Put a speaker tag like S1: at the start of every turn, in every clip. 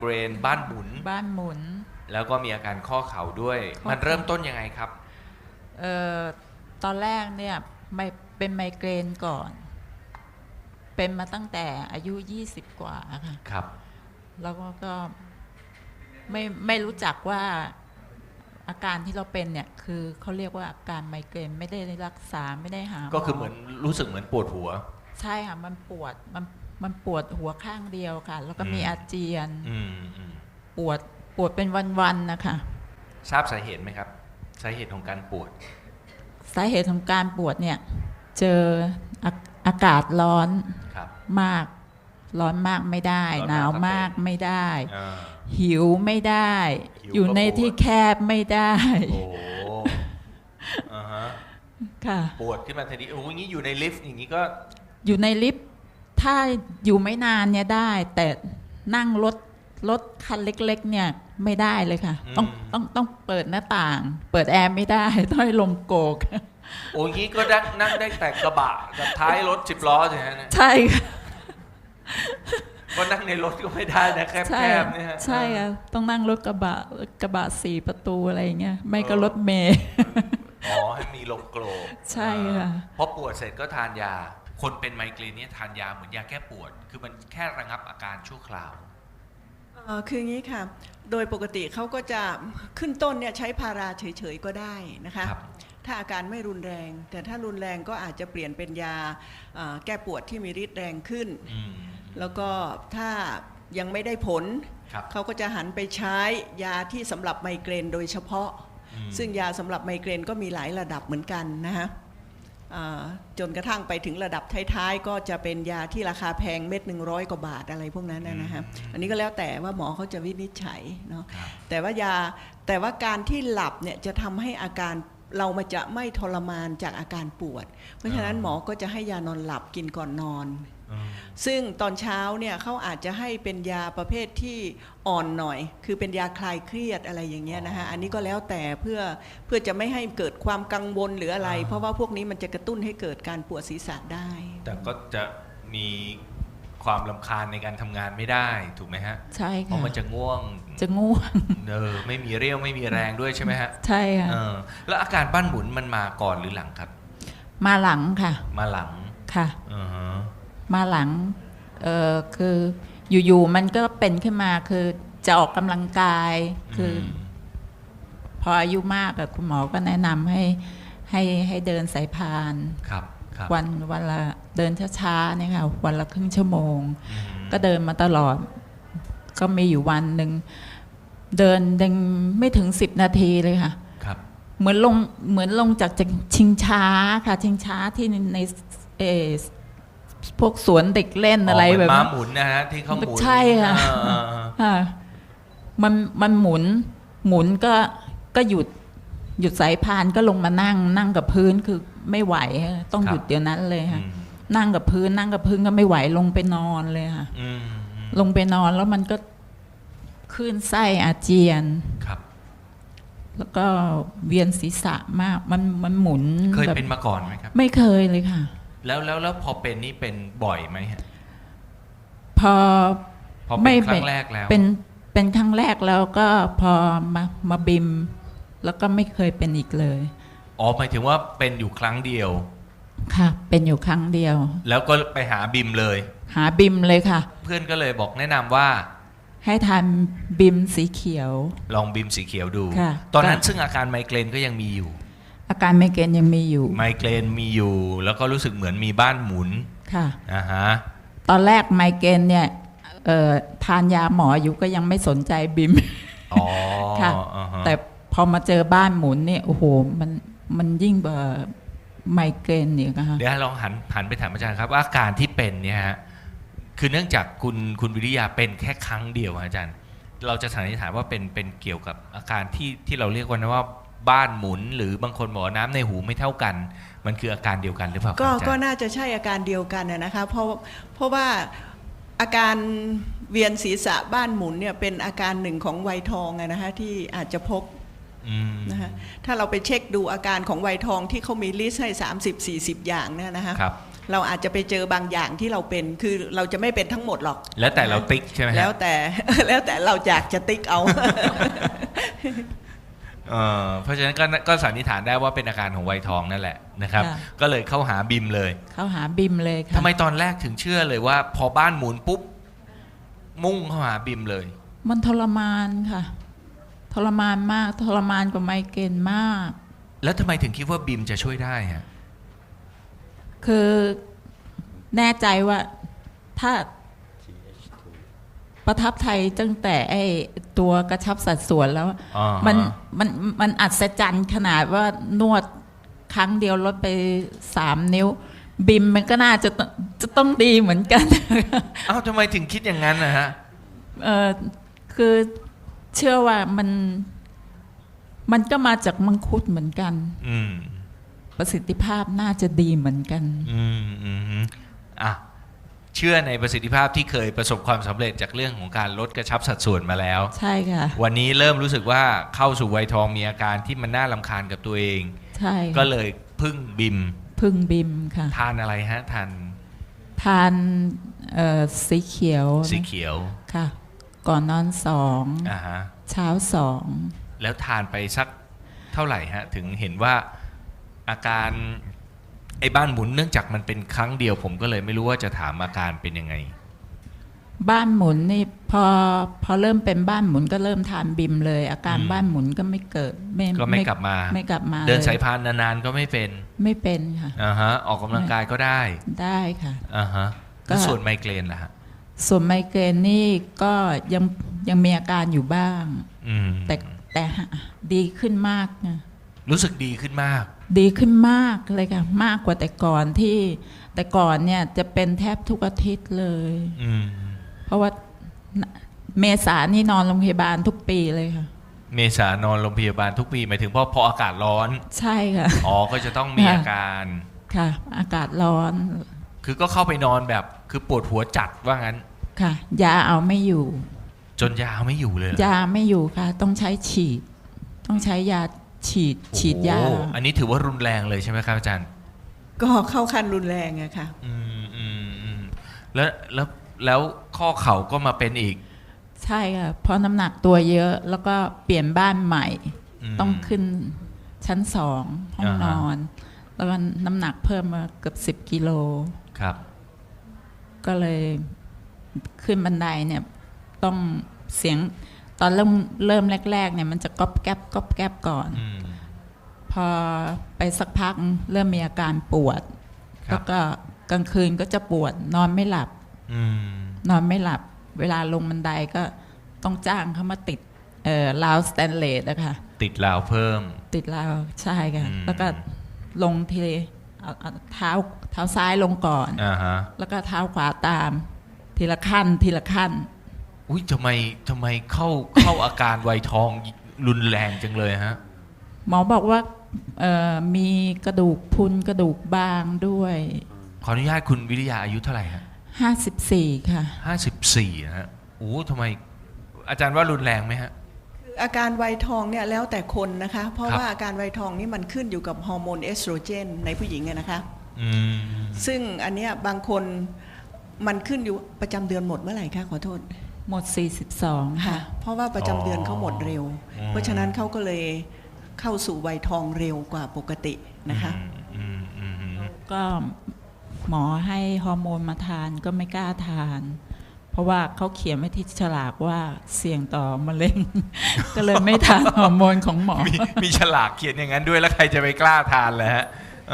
S1: เบรนบ้านหมุน
S2: บ้านหมุน
S1: แล้วก็มีอาการข้อเข่าด้วยมันเริ่มต้นยังไงครับ
S2: เอ่อตอนแรกเนี่ยไม่เป็นไมเกรนก่อนเป็นมาตั้งแต่อายุ20กว่าค่ะ
S1: ครับ
S2: แล้วก็ไม่รู้จักว่าอาการที่เราเป็นเนี่ยคือเขาเรียกว่าอาการไมเกรนไม่ได้รักษาไม่ได้หาหมอ
S1: ก็คือเหมือนรู้สึกเหมือนปวดหัว
S2: ใช่ค่ะมันปวดมันปวดหัวข้างเดียวค่ะแล้วก็มีอาเจียนปวดเป็นวันๆนะคะ
S1: ทราบสาเหตุไหมครับสาเหตุของการปวด
S2: สาเหตุของการปวดเนี่ยเจออากาศร้อนมากร้อนมากไม่ได้หนาวมากไม่ได้หิวไม่ได้อยู่ในที่แคบไม่ได้
S1: โอ้
S2: ค่ะ
S1: ปวดขึ้นมาทันทีโอ้ยงี้อยู่ในลิฟต์อย่างนี้ก็
S2: อยู่ในลิฟต์ถ้าอยู่ไม่นเนี่ยได้แต่นั่งรถคันเล็กๆเนี่ยไม่ได้เลยค่ะต้องเปิดหน้าต่างเปิดแอร์ไม่ได้ต้องให้ลมโกก
S1: โอ้ยงี้ก็นั่งได้แต่กระบะกับท้ายรถ10 ล้อใช่ไหม
S2: ใช่ค่ะ
S1: ก็นั่งในรถก็ไม่ได้นะแคบๆเนี่ย
S2: ใช่ค่ะต้องนั่งรถกระบะ4 ประตูอะไรอย่างเงี้ยไม่ก็รถเมล์
S1: อ๋อให้มีลมโกรก
S2: ใช่ค่ะ
S1: พอปวดเสร็จก็ทานยาคนเป็นไมเกรนเนี่ยทานยาเหมือนยาแก้ปวดคือมันแค่ระงับอาการชั่วคราว
S3: คืออย่างนี้ค่ะโดยปกติเขาก็จะขึ้นต้นเนี่ยใช้พาราเฉยๆก็ได้นะคะถ้าอาการไม่รุนแรงแต่ถ้ารุนแรงก็อาจจะเปลี่ยนเป็นยาแก้ปวดที่มีฤทธิ์แรงขึ้นแล้วก็ถ้ายังไม่ได้ผลเขาก็จะหันไปใช้ยาที่สำหรับไมเกรนโดยเฉพาะซึ่งยาสำหรับไมเกรนก็มีหลายระดับเหมือนกันนะฮะจนกระทั่งไปถึงระดับท้ายๆก็จะเป็นยาที่ราคาแพงเม็ด100 กว่าบาทอะไรพวกนั้นนะฮะอันนี้ก็แล้วแต่ว่าหมอเขาจะวินิจฉัยเนาะแต่ว่าการที่หลับเนี่ยจะทำให้อาการเรามันจะไม่ทรมานจากอาการปวดเพราะฉะนั้นหมอก็จะให้ยานอนหลับกินก่อนนอนซึ่งตอนเช้าเนี่ยเขาอาจจะให้เป็นยาประเภทที่อ่อนหน่อยคือเป็นยาคลายเครียดอะไรอย่างเงี้ยนะฮะอันนี้ก็แล้วแต่เพื่อจะไม่ให้เกิดความกังวลหรืออะไรเพราะว่าพวกนี้มันจะกระตุ้นให้เกิดการปวดศีรษะได้
S1: แต่ก็จะมีความรำคาญในการทำงานไม่ได้ถูกไหมฮะ
S2: ใช่ค่ะ
S1: เพราะมันจะง่วงไม่มีเรี่ยวไม่มีแรงด้วยใช่ไหมฮะ
S2: ใช่ค่ะ
S1: แล้วอาการบ้านหมุนมันมาก่อนหรือหลังครับ
S2: มาหลังค่ะ
S1: มาหลัง
S2: ค่ะมาหลังคืออยู่ๆมันก็เป็นขึ้นมาคือจะออกกำลังกายคือพออายุมากคุณหมอก็แนะนำให้เดินสายพานวันละเดินช้าๆเนี่ยค่ะวันละครึ่งชั่วโมงก็เดินมาตลอดก็มีอยู่วันหนึ่งเดินยังไม่ถึง10 นาทีเลยค่ะเหมือนลงจากชิงช้าค่ะชิงช้าที่ในพวกสวนเด็กเล่นอะไรแบบ
S1: ม้าหมุนนะฮะที่เขาหมุน
S2: ใช่ค่ะมันหมุนก็หยุดสายพานก็ลงมานั่งกับพื้นคือไม่ไหวต้องหยุดเดี๋ยวนั้นเลยค่ะนั่งกับพื้นก็ไม่ไหวลงไปนอนเลยค่ะลงไปนอนแล้วมันก็คลื่นไส้อาเจียนแล้วก็เวียนศีรษะมากมันหมุน
S1: เคยเป็นมาก่อนไหมครับ
S2: ไม่เคยเลยค่ะ
S1: แล้วพอเป็นนี่เป็นบ่อยไหมฮะ
S2: พอ
S1: เป็นครั้งแรกแล้ว
S2: เป็นครั้งแรกแล้วก็พอมาบิมแล้วก็ไม่เคยเป็นอีกเลย
S1: อ๋อหมายถึงว่าเป็นอยู่ครั้งเดียว
S2: ค่ะเป็นอยู่ครั้งเดียว
S1: แล้วก็ไปหาบิมเลย
S2: หาบิมเลยค่ะ
S1: เพื่อนก็เลยบอกแนะนำว่า
S2: ให้ทานบิมสีเขียว
S1: ลองบิมสีเขียวดูตอนนั้นซึ่งอาการไมเกรนก็ยังมีอยู่
S2: อาการไมเกรนยังมีอยู่
S1: ไมเกรนมีอยู่แล้วก็รู้สึกเหมือนมีบ้านหมุน
S2: ค่ะ
S1: ฮะ
S2: ตอนแรกไมเกรนเนี่ยทานยาหมออยู่ก็ยังไม่สนใจบิมค่ะแต่พอมาเจอบ้านหมุนเนี่ยโอ้โหมันยิ่งกว่าไมเกรนอีกนะคะ
S1: เดี๋ยวลองหันไปถามอาจารย์ครับว่าอาการที่เป็นเนี่ยฮะคือเนื่องจากคุณวิริยาเป็นแค่ครั้งเดียวอาจารย์เราจะสันนิษฐานว่าเป็นเกี่ยวกับอาการที่เราเรียกว่าบ้านหมุนหรือบางคนบอกน้ำในหูไม่เท่ากันมันคืออาการเดียวกันหรือเปล่า
S3: ก็น่าจะใช่อาการเดียวกันนะคะเพราะว่าอาการเวียนศีรษะบ้านหมุนเนี่ยเป็นอาการหนึ่งของวัยทองนะคะที่อาจจะพบนะคะถ้าเราไปเช็คดูอาการของวัยทองที่เขามีลิสต์ให้30-40 อย่างเนี่ยนะคะเราอาจจะไปเจอบางอย่างที่เราเป็นคือเราจะไม่เป็นทั้งหมดหรอก
S1: แล้วแต่เราติ๊กใช่ไหมฮะ
S3: แล้วแต่ แล้วแต่เราอยากจะติ๊กเอา
S1: เพราะฉะนั้นก็สันนิษฐานได้ว่าเป็นอาการของวัยทองนั่นแหละนะครับ
S2: ค่ะ
S1: ก็เลยเข้าหาบิมเลย
S2: เขาหาบิมเลยค่ะ
S1: ทำไมตอนแรกถึงเชื่อเลยว่า พอบ้านหมุนปุ๊บมุ่งเข้าหาบิมเลย
S2: มันทรมานค่ะ ทรมานมากทรมานกว่าไมเกรนมาก
S1: แล้วทำไมถึงคิดว่าบิมจะช่วยได้ฮะ
S2: คือแน่ใจว่าถ้าประทับใจตั้งแต่ไอ้ตัวกระชับสัดส่วนแล้ว
S1: อ๋อ
S2: มันอัศจรรย์ขนาดว่านวดครั้งเดียวลดไป3 นิ้ว บิมมันก็น่าจะต้องดีเหมือนกัน
S1: เอ้าทำไมถึงคิดอย่างนั้นนะฮะ
S2: คือเชื่อว่ามันก็มาจากมังคุดเหมือนกัน
S1: อืม
S2: ประสิทธิภาพน่าจะดีเหมือนกัน
S1: อ่ะเชื่อในประสิทธิภาพที่เคยประสบความสำเร็จจากเรื่องของการลดกระชับสัดส่วนมาแล้ว
S2: ใช่ค่ะ
S1: วันนี้เริ่มรู้สึกว่าเข้าสู่วัยทองมีอาการที่มันน่ารำคาญกับตัวเอง
S2: ใช่ค่ะ
S1: ก็เลยพึ่งบิม
S2: พึ่งบิมค่ะ
S1: ทานอะไรฮะทาน
S2: ทานสีเขียว
S1: สีเขียว
S2: ค่ะ ก่อนนอน2
S1: อ่าฮะ
S2: เช้า2
S1: แล้วทานไปสักเท่าไหร่ฮะ ถึงเห็นว่าอาการไอ้บ้านหมุนเนื่องจากมันเป็นครั้งเดียวผมก็เลยไม่รู้ว่าจะถามอาการเป็นยังไง
S2: บ้านหมุนนี่พอเริ่มเป็นบ้านหมุนก็เริ่มทานบิมเลย อาการบ้านหมุนก็ไม่เกิด
S1: ก็ไม่กลับมา
S2: ไม่กลับมา
S1: เดิน
S2: ล
S1: สายพานนานๆก็ไม่เป็น
S2: ไม่เป็นค่ะ
S1: อ่าฮะออกกำลังกายก็ได้
S2: ได้ค่ะ
S1: อ่าฮะ
S2: ก็
S1: แล้วส่วนไมเกรนล่ะฮะ
S2: ส่วนไมเกรนนี่ก็ยังมีอาการอยู่บ้าง
S1: อืม
S2: แต่ดีขึ้นมากนะ
S1: รู้สึกดีขึ้นมาก
S2: ดีขึ้นมากเลยค่ะ มากกว่าแต่ก่อนแต่ก่อนเนี่ยจะเป็นแทบทุกอาทิตย์เลย
S1: อืม
S2: เพราะว่าเมษานี่นอนโรงพยาบาลทุกปีเลยค่ะ
S1: เมษานอนโรงพยาบาลทุกปีหมายถึงพออากาศร้อน
S2: ใช่ค่ะ
S1: อ๋อก็จะต้องมีอาการ
S2: ค่ะ อากาศร้อน
S1: คือก็เข้าไปนอนแบบคือปวดหัวจัดว่างั้น
S2: ค่ะ ยาเอาไม่อยู่
S1: จนยาไม่อยู่เลยเหรอ
S2: ยาไม่อยู่ค่ะ ต้องใช้ฉีด ต้องใช้ยาฉีดยา
S1: โอ้อันนี้ถือว่ารุนแรงเลยใช่ไหมครับอาจารย์
S3: ก็เข้าขั้นรุนแรงอะค่ะ
S1: แล้วข้อเข่าก็มาเป็นอีก
S2: ใช่ค่ะ เพราะน้ำหนักตัวเยอะ แล้วก็เปลี่ยนบ้านใหม่ ต้องขึ้นชั้น2 ห้องนอน แล้วก็น้ำหนักเพิ่มมาเกือบ10 กิโล
S1: ครับ
S2: ก็เลยขึ้นบันไดเนี่ยต้องเสียงตอนเริ่มแรกๆเนี่ยมันจะก๊อบแก๊บก่อน พอไปสักพักเริ่มมีอาการปวด
S1: ครับ
S2: แล้วก็กลางคืนก็จะปวดนอนไม่หลับ นอนไม่หลับ เวลาลงบันไดก็ต้องจ้างเขามาติดราวสแตนเลสนะคะ
S1: ติดราวเพิ่ม
S2: ติดราวใช่ค่ะ แล้วก็ลงทีเอาเท้าซ้ายลงก่อน
S1: อ่าฮะ
S2: แล้วก็เท้าขวาตาม ทีละขั้น
S1: อุ้ยทำไมเข้าอาการวัยทองรุนแรงจังเลยฮะ
S2: หมอบอกว่ามีกระดูกพรุนกระดูกบางด้วย
S1: ขออนุญาตคุณวิริยาอายุเท่าไหร่ฮะ
S2: 54 ค่ะ
S1: 54นะฮะโอ้ทำไมอาจารย์ว่ารุนแรงไหมฮะ
S3: คืออาการวัยทองเนี่ยแล้วแต่คนนะคะ เพราะ
S1: ครับ
S3: ว่าอาการวัยทองนี่มันขึ้นอยู่กับฮอร์โมนเอสโตรเจนในผู้หญิงอะนะคะ
S1: อืม
S3: ซึ่งอันเนี้ยบางคนมันขึ้นอยู่ประจำเดือนหมดเมื่อไหร่คะขอโทษ
S2: หมด 42 ค่ะ
S3: เพราะว่าประจำเดือนเขาหมดเร็ว เพราะฉะนั้นเขาก็เลยเข้าสู่วัยทองเร็วกว่าปกตินะคะ
S2: ก็หมอให้ฮอร์โมนมาทานก็ไม่กล้าทาน เพราะว่าเขาเขียนไว้ที่ฉลากว่าเสี่ยงต่อมะเร็ง ก็เลยไม่ทานฮอร์โมนของหมอ
S1: มีฉลากเขียนอย่างนั้นด้วยแล้วใครจะไปกล้าทานเลยฮะ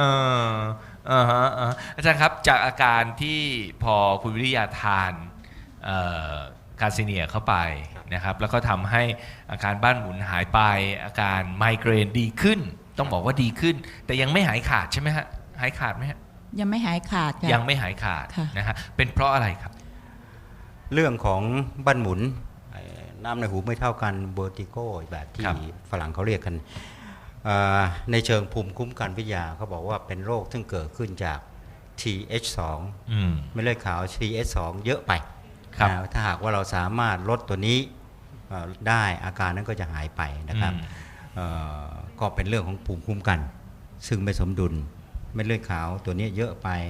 S1: อาจารย์ครับจากอาการที่พอคุณวิริยาทานคาซิเนียเข้าไปนะครับแล้วก็ทำให้อาการบ้านหมุนหายไปอาการไมเกรนดีขึ้นต้องบอกว่าดีขึ้น แต่ยังไม่หายขาดใช่ไหมฮะหายขาดไหมฮะ
S2: ยังไม่หายขาดค่ะ
S1: ยังไม่หายขาด
S2: ค่ะ
S1: นะฮะเป็นเพราะอะไรครับ
S4: เรื่องของบ้านหมุนน้ำในหูไม่เท่ากันเวอร์ติโกแบบที่
S1: ครับ
S4: ฝรั่งเขาเรียกกันในเชิงภูมิคุ้มกันวิทยาเขาบอกว่าเป็นโรคซึ่งเกิดขึ้นจาก TH2 เม็ดเลือดขาว TH2 เยอะไป
S1: ครับ
S4: ถ้าหากว่าเราสามารถลดตัวนี้ได้อาการนั้นก็จะหายไปนะครับก็เป็นเรื่องของภูมิคุ้มกัน ซึ่งไม่สมดุลเม็ดเลือดขาวตัวนี้เยอะไป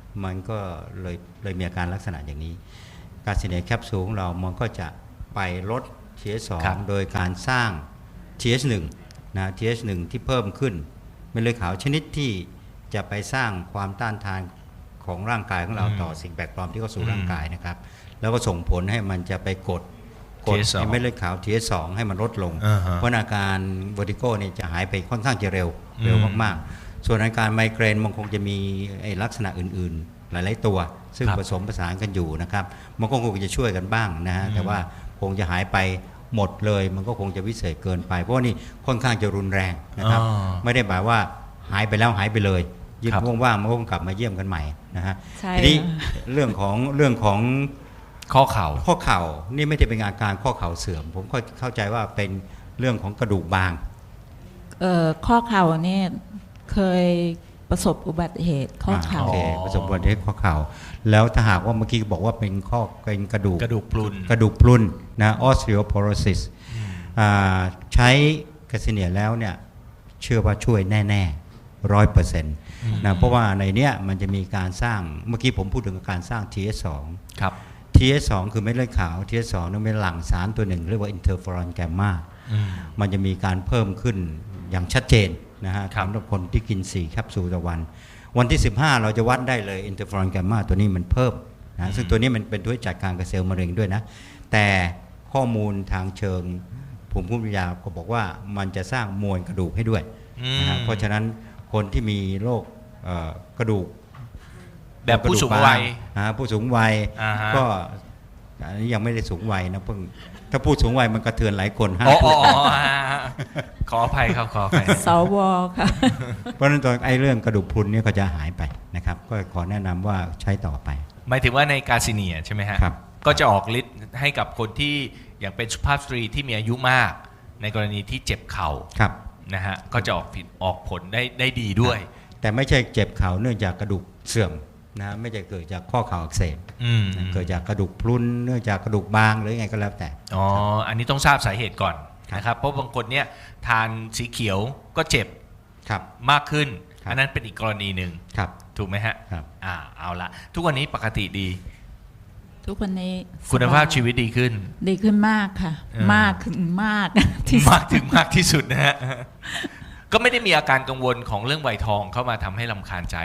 S4: มันก็เลยมีอาการลักษณะอย่างนี้กาซิเนียแคปซูลของเรามันก็จะไปลด TH2
S1: ครับ
S4: โดยการสร้าง TH1 นะ TH1 ที่เพิ่มขึ้นเม็ดเลือดขาวชนิดที่จะไปสร้างความต้านทานของร่างกายของเราต่อสิ่งแปลกปลอมที่เข้าสู่ร่างกายนะครับแล้วก็ส่งผลให้มันจะไปกด
S1: TH2
S4: ให้เม็ดเลือดขาว TH2 ให้มันลดลง
S1: อ่าฮะ
S4: เพราะอาการเวอร์ติโกเนี่ยจะหายไปค่อนข้างจะเร็วมากๆส่วนอาการไมเกรนมันคงจะมีไอ้ลักษณะอื่นๆ หลายๆตัว ซึ่ง
S1: ครับ
S4: ผสมผสานกันอยู่นะครับมันก็คงจะช่วยกันบ้างนะฮะแต่ว่าคงจะหายไปหมดเลยมันก็คงจะวิเศษเกินไปเพราะว่านี่ค่อนข้างจะรุนแรงนะครับ
S1: อ๋อ
S4: ไม่ได้หมายว่าหายไปแล้วหายไปเลยยิ่ง
S1: ครับ
S4: ว่างๆมันก็คงกลับมาเยี่ยมกันใหม่นะฮะ
S2: ใช่
S4: ทีนี้
S2: ค่ะ
S4: เรื่องของ
S1: ข้อเข่า
S4: ข้อเข่านี่ไม่ได้เป็นอาการข้อเข่าเสื่อม ผมเข้าใจว่าเป็นเรื่องของกระดูกบาง
S2: ข้อเข่าเนี่ยเคยประสบอุบัติเหตุข้อเข่า
S4: โอเค
S1: อ๋อ
S4: ประสบอุบัติเหตุข้อเข่าแล้วถ้าหากว่าเมื่อกี้บอกว่าเป็นกระดูก
S1: กระดูกพรุน
S4: กระดูกพรุนนะ osteoporosis ใช้กาซิเนียแล้วเนี่ยเชื่อว่าช่วยแน่ๆ100%นะเพราะว่าในเนี้ยมันจะมีการสร้างเมื่อกี้ผมพูดถึงการสร้าง TH2
S1: ครับ
S4: TH2 คือเม็ดเลือดขาว TH2 นั้นเป็นหลั่งสารตัวหนึ่งเรียกว่าอินเทอร์เฟอรอนแกมมามันจะมีการเพิ่มขึ้นอย่างชัดเจนนะฮะ
S1: ครับ
S4: สำหรับคนที่กิน4แคปซูลต่อวัน วันที่ 15 เราจะวัดได้เลยอินเทอร์เฟอรอนแกมมาตัวนี้มันเพิ่มนะซึ่งตัวนี้มันเป็นตัวที่จัดการกับเซลล์มะเร็งด้วยนะแต่ข้อมูลทางเชิงภูมิคุ้มกันยาก็บอกว่ามันจะสร้างมวลกระดูกให้ด้วยนะฮะเพราะฉะนั้นคนที่มีโรคกระดูก
S1: แบบผู้สูงวัย
S4: ผู้สูงวัย
S1: อ่าฮะ
S4: ก็อันนี้ยังไม่ได้สูงวัยนะเพิ่งถ้าพูดสูงวัยมันกระเทือนหลายคนฮะ
S1: อ๋อขออภัยครับขออภัย
S2: สวค่ะ
S4: เพราะฉะนั้นตัวไอ้เรื่องกระดูกพรุนเนี่ยก็จะหายไปนะครับก็ขอแนะนำว่าใช้ต่อไป
S1: หมายถึงว่าในกาซิเนียใช่ไหมฮะ
S4: ครับ
S1: ก็จะออกฤทธิ์ให้กับคนที่อย่างเป็นสุภาพสตรีที่มีอายุมาก ในกรณีที่เจ็บเข่า
S4: ครับ
S1: นะฮะก็จะออกผลได้ดีด้วย
S4: แต่ไม่ใช่เจ็บเข่าเนื่องจากกระดูกเสื่อมนะไม่ใช่เกิดจากข้อเข่าอักเสบ
S1: อืม
S4: เกิดจากกระดูกพรุนเนื่องจากกระดูกบางหรือไงก็แล้วแต่
S1: อ๋ออันนี้ต้องทราบสาเหตุก่อน
S4: ครับ
S1: นะครับเพราะบางคนเนี่ยทานสีเขียวก็เจ็บ
S4: ครับ
S1: มากขึ้น
S4: ครับ
S1: อันนั้นเป็นอีกกรณีหนึ่ง
S4: ครับ
S1: ถูกไหมฮะ
S4: ครับ
S1: เอาละทุกวันนี้ปกติดี
S2: ทุกวันนี้
S1: คุณภาพ
S2: สบย
S1: ชีวิตดีขึ้น
S2: ดีขึ้นมากค่ะ
S1: เออ
S2: มากถึงมาก ที่สุด
S1: มากถึงมากที่สุดนะฮะ ก็ไม่ได้มีอาการกังวลของเรื่องไวทองเข้ามาทำให้รำคาญใจ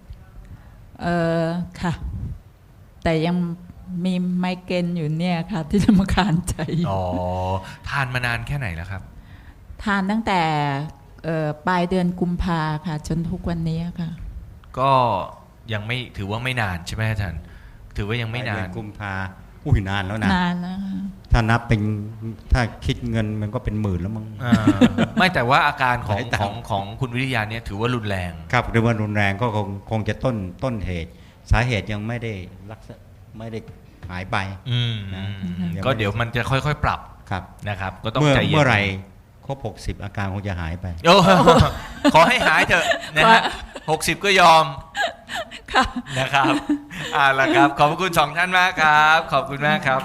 S2: ค่ะ แต่ยังมีไมเกรนอยู่เนี่ยค่ะ ที่จะมาคานใจ
S1: อ๋อ ทานมานานแค่ไหนแล้วครับ
S2: ทานตั้งแต่ปลายเดือนกุมภาค่ะ จนทุกวันนี้ค่ะ
S1: ก็ยังไม่ถือว่าไม่นานใช่ไหมอาจารย์ถือว่ายังไม่นา
S4: เดื
S1: น
S4: กุมภาอุ้ยนานแล้วนะ
S2: นานแล้วค่ะ
S4: ถ้านับเป็นถ้าคิดเงินมันก็เป็นหมื่นแล้วมั้ง
S1: ไม่แต่ว่าอาการของ
S4: หลายตั
S1: ข
S4: ง
S1: อง
S4: ค์
S1: ของคุณวิทยาเนี่ยถือว่ารุนแรง
S4: ครับหรือว่ารุนแรงก็คงจะต้นเหตุ สาเหตุยังไม่ได้หายไป นะ
S1: ก็เดี๋ยวมันจะค่อยๆ ปรับ
S4: ครับ
S1: นะครับ ก็ต้อง
S4: เมื่อ
S1: ใจเย็น
S4: เมื่อไหร่ครบ60 อาการคงจะหายไป
S1: โอ้ ขอให้หายเถอะนะฮะ60 ก็ยอม
S2: ค่ะ
S1: นะครับเอาล่ะครับ ขอบพระคุณสองท่านมากครับ ขอบคุณมากครับ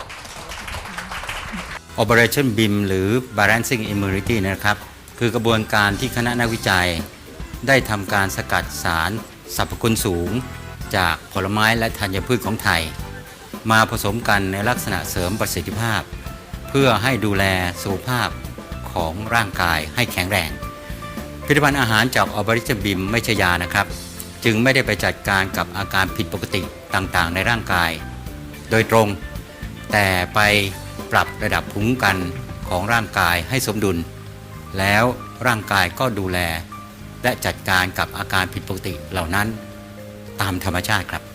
S4: Operation BIM หรือ Balancing Immunity นะครับ คือกระบวนการที่คณะนักวิจัย ได้ทำการสกัดสารสรรพคุณสูง จากผลไม้และธัญพืชของไทย มาผสมกันในลักษณะเสริมประสิทธิภาพ เพื่อให้ดูแลสุขภาพของร่างกายให้แข็งแรงผลิตภัณฑ์อาหารจาก Operation BIM ไม่ใช่ยานะครับ จึงไม่ได้ไปจัดการกับอาการผิดปกติต่างๆ ในร่างกาย โดยตรง แต่ไปปรับระดับภูมิคุ้มกันของร่างกายให้สมดุล แล้วร่างกายก็ดูแล และจัดการกับอาการผิดปกติเหล่านั้นตามธรรมชาติครับ